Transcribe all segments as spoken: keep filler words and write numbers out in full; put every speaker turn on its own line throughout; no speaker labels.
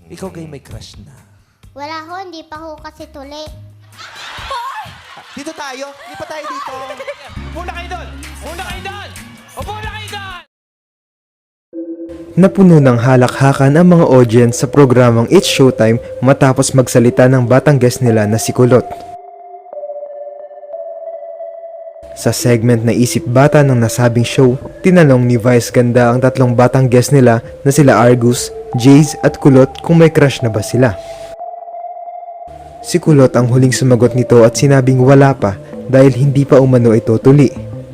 Ikaw gay may crush na.
Wala ho, hindi pa ho kasi tuli.
Dito tayo. Hindi pa tayo dito.
Muna kayo doon! Muna kayo doon! Upo na kayo doon!
Napuno ng halakhakan ang mga audience sa programang It's Showtime matapos magsalita ng batang guest nila na si Kulot. Sa segment na Isip Bata ng nasabing show, tinanong ni Vice Ganda ang tatlong batang guest nila na sila Argus, Jace at Kulot kung may crush na ba sila. Si Kulot ang huling sumagot nito at sinabing wala pa dahil hindi pa umano ito tuli.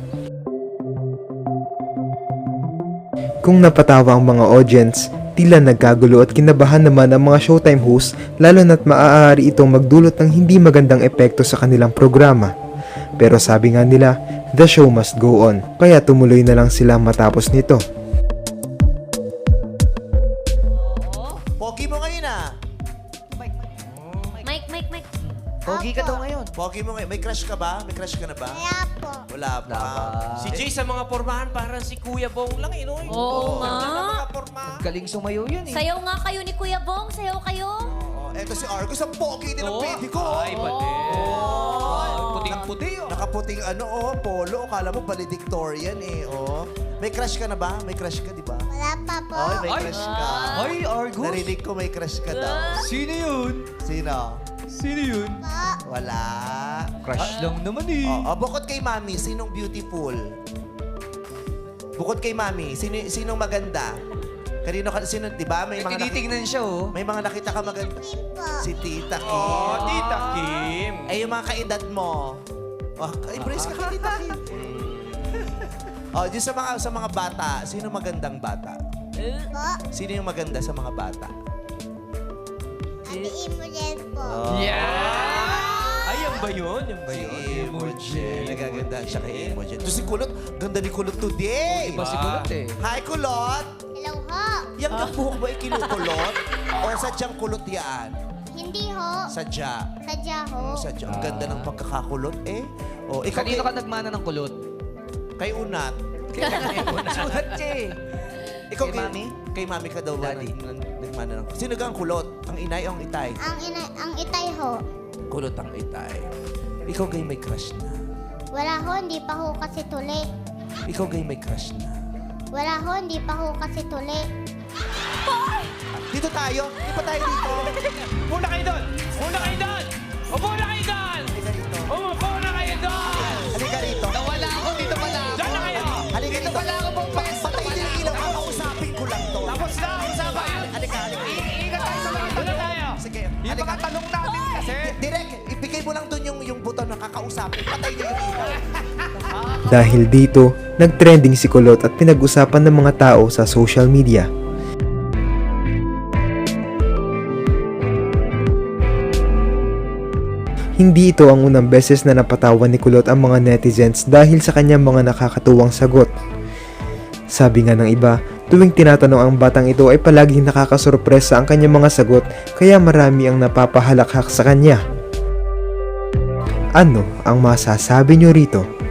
Kung napatawa ang mga audience, tila nagkagulo at kinabahan naman ang mga Showtime hosts lalo na't maaari itong magdulot ng hindi magandang epekto sa kanilang programa. Pero sabi nga nila, the show must go on, kaya tumuloy na lang sila matapos nito.
Pogi mo ngayon ah.
Mike, Mike, Mike.
Pogi ka daw ngayon.
Pogi mo ngayon. May crush ka ba? May crush ka na ba?
Wala po.
Wala pa.
Si Jay sa mga pormahan parang si Kuya Bong lang eh, no?
Oo nga.
Ganda ng mga porma.
Galing sumayaw yun eh.
Sayaw nga kayo ni Kuya Bong. Sayaw kayo.
Oh, eto si Argus. Ang pogi din ng
Oo.
baby ko.
Ay, pati. Puting-puti oh.
Nakaputing ano, oh, polo. Kala mo valedictorian eh, oh. May crush ka na ba? May crush ka, di ba?
Wala pa po.
Ay, may
Ay.
crush ka.
Ay, Argus.
Narinig ko may crush ka daw.
Sino yun?
Sino?
Sino yun?
Po.
Wala.
Crush lang naman eh.
Oh, oh, bukod kay Mami, sinong beautiful? Bukod kay Mami, sino sinong maganda? Kanino ka, sino, di ba? May
Eh,
mga
tinitignan siya oh.
May mga nakita ka maganda.
Kim po.
Si Tita Kim.
Oh, Tita Kim.
Eh, yung mga kaedad mo. Oh, embrace ka kay Tita Kim. Oh, di sa mga sa mga bata, sino magandang bata?
Po.
Sino yung maganda sa mga bata?
Ate Imogen po.
Yeah! Ay, yan ba yun? Yan ba
Si
yun?
Imogen. Nagaganda siya kay Imogen. To si Kulot, ganda ni Kulot today.
Iba si Kulot eh.
Hi, Kulot!
Hello ho.
Yang ah. buhok ba ikinukulot? o sadyang kulot yan?
Hindi ho.
Sadya.
Sadya ho.
Sadya. Ang ganda ng pagkakakulot eh. O, ikaw
Kanino
kay,
ka nagmana ng kulot?
kay Unat.
Sulat siya eh.
Ikaw
Kay Mami?
Kay Mami ka daw ba
Daddy.
nag- nag- nagmana ng... Sino ka ang kulot? Ang inay o ang itay?
Ang, ina, ang itay ho.
Kulot ang itay. Ikaw gay may crush na.
Wala ho, hindi pa ho kasi tuli.
Ikaw gay may crush na.
Wala ho, hindi pa ho kasi tuli.
Dito tayo. Hindi pa tayo dito.
Muna kayo doon! Muna kayo doon! Upo na kayo doon!
Halika rito.
Umupo na kayo doon!
Halika rito.
Nawala ako, dito pala ako.
Diyan na kayo!
Halika rito.
Wala ka pong pwesto.
Patay din ang ilaw. Kakausapin ko lang to.
Tapos na ang usapan!
Halika, halika.
Iingat tayo sa mga tanong tayo!
Sige.
Yung
Halika.
mga tanong natin kasi...
Direk, ibigay mo lang dun yung, yung buton na kakausapin. Patay niyo yung ilaw.
Dahil dito, nagtrending si Kulot at pinag-usapan ng mga tao sa social media. Hindi ito ang unang beses na napatawan ni Kulot ang mga netizens dahil sa kanyang mga nakakatuwang sagot. Sabi nga ng iba, tuwing tinatanong ang batang ito ay palaging nakakasurpresa ang kanyang mga sagot kaya marami ang napapahalakhak sa kanya. Ano ang masasabi nyo rito?